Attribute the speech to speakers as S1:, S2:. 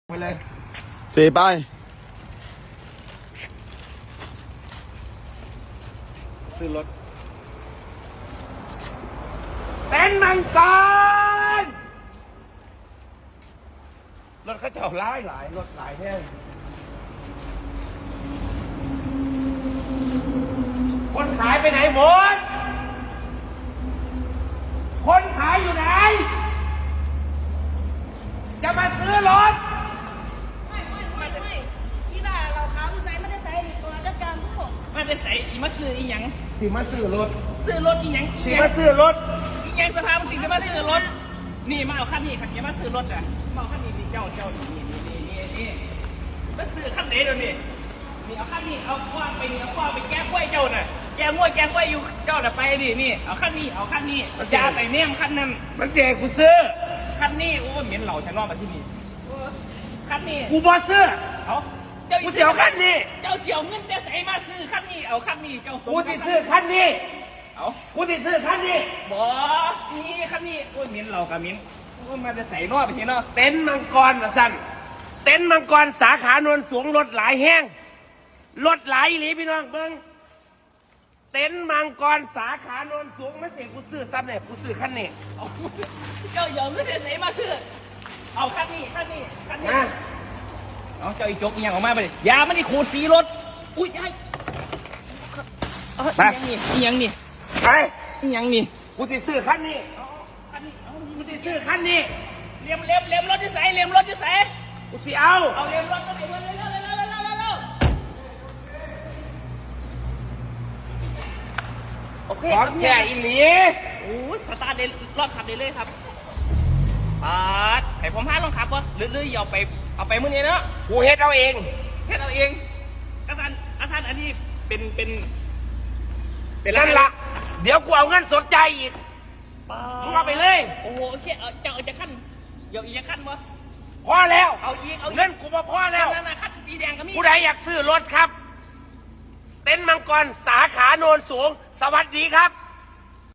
S1: ไปเลย
S2: สี่ไป
S1: ซื้อรถเป็นมังกรรถเขาเจ้าหลายรถหลายแห้งคนขายไปไหนหมดคนขายอยู่ไหนจะมาซื้อรถ
S3: ไม่ที่ว่าเราขาวใส่ไม่ได้ใส่อีกตัวจัดการผู้
S4: มันเป็นใส่อีมาซื้ออีหยัง
S1: สิมาซื้อรถ
S4: อีหยัง
S1: สิมาซื้อรถ
S4: อีหยังสภาพมันสิจะมาซื้อรถนี่มาเอาคันนี้คันนี้มาซื้อรถอ่ะมาเอาคันนี้เจ้านี่มาซื้อคันไหนเดี๋ยวนี้นี่เอาคันนี้เอาคว้าไปนี่เอาคว้าไปแก้กล้วยเจ้าน่ะแก้งวดแก้กล้วยอยู่เจ้าน่ะไปดินี่เอาคันนี้อย่าไปเนี่ยคันนั้น
S1: มันเจ๊กูซื้อ
S4: คันนี้โอ้เหม็นเหล่าฉันรอมาที่นี่คันนี้
S1: กูบอซื้อ
S4: เอา
S1: กูเสียวคันนี้
S4: เจ้าเสียวเงินแต่ใส่มาซื้อคันนี้เอาคันนี้เจ้า
S1: กูจะซื้อคันนี้
S4: เอา
S1: กูจะซื้อคันนี้
S4: บ่นี่คันนี้โอ้ยมิ้นเรากับมิ้นโอ้ยมาจะใส่นอไปทีเนาะ
S1: เต็นท์มังกรมาสั่นเต็นท์มังกรสาขาโนนสูงรถหลายแห้งรถหลายหลีพี่น้องเบิ้งเต็นท์มังกรสาขาโนนสูงไม่เสียกูซื้อซ้ำเนี่ยกูซื้อคันนี้
S4: เจ้าอย่าเงินแต่ใส่มาซื้อเอาคันนี้เอาเจ้าอีจกอีหยังออกมาไปดิยามันนี่ขูดสีรถอุ้ยไอ้อีหยังนี่
S1: ไป
S4: อีหยังนี่
S1: กูจะซื้อคันนี้กูจะซื้อคันนี้
S4: เลียมรถที่ใส่
S1: กูสิเอา
S4: เลียมรถก็ไปเร็วโอเค
S1: ของแท้อีหลี
S4: โอ้ยสตาร์ทเลยรอดขับเลยครับให้ผมพาลองขับวะหรือเอาไปมื้อนี้เนาะ
S1: กูเฮ็ดเอาเอง
S4: อาจารย์อันนี้เป็น
S1: นั่นละเดี๋ยวกูเอาเงินสดใจอีกมึงเอาไปเลย
S4: โอ้โหโอเคเอาจะขั้นเดี๋ยวอีกจะขั้นวะ
S1: พอแล้ว
S4: เอา
S1: เงินกูมาพอแล้ว
S4: นั่นขั้นสีแดงก็มี
S1: ผู้ใดอยากซื้อรถครับเต็นท์มังกรสาขาโนนสูงสวัสดีครับ